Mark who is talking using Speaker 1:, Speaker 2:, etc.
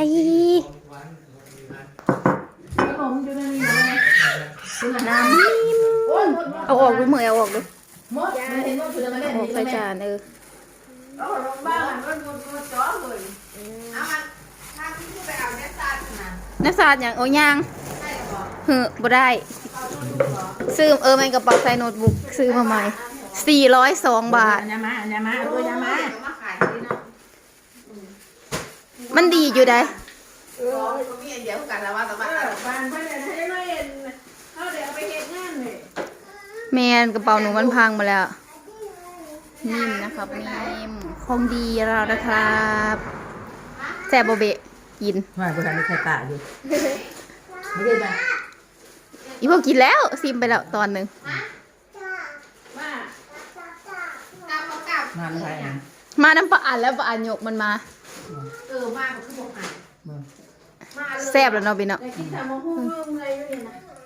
Speaker 1: ขนมอยู่ในนี้เลย
Speaker 2: น้ำนิ่มเอาออกดูมือเอาออกดู
Speaker 1: มดเห็นว่าคือมาเล่น
Speaker 2: ออก
Speaker 1: นี่
Speaker 2: ใส่
Speaker 1: แม่
Speaker 2: จาน
Speaker 1: เอาลงบ้านมันจ่อเลยเอามันถ้าที่ไปเอาเนื้อสัตว์นะ
Speaker 2: น้ำสาดอย่างโอ้ยาง
Speaker 1: ใช่หรอ
Speaker 2: เฮ้อบ่ได้
Speaker 1: เอาดูหรอ
Speaker 2: ซื้อมันกระเป๋าใส่โน้ตบุ๊กซื้อมาใหม่402 บาท
Speaker 1: อันยามาตัวยามาขายที่เนาะ
Speaker 2: มันดีอยู่ได้
Speaker 1: ก็มีอันเดียวกันแล้วว่าแต่ว่าบ้านเพื่อนให้ไม่เห็นเขาเดี๋ยวไปเฮ็ดงานเลย
Speaker 2: แมนกระเป๋าหนูมันพังมาแล้วนิ่มนะครับนิ่มของดีเรานะครับแซ่บโบเบะกิน
Speaker 1: ว่ากูทำในไข่ตาอยู่ไม่ได้ไหม
Speaker 2: อีพวกกินแล้วซิมไปแล้วตอนหนึ่ง
Speaker 1: มาอะไรอ่ะ
Speaker 2: มาน้ำปลาอันแล้วปลาอันยกมันมา
Speaker 1: มาก็คือบอกอ่ะ
Speaker 2: แซ่บแล้วเนาะพี่เนาะ
Speaker 1: แต่กินแต่มาหุ้มเลยอยู่นี่นะ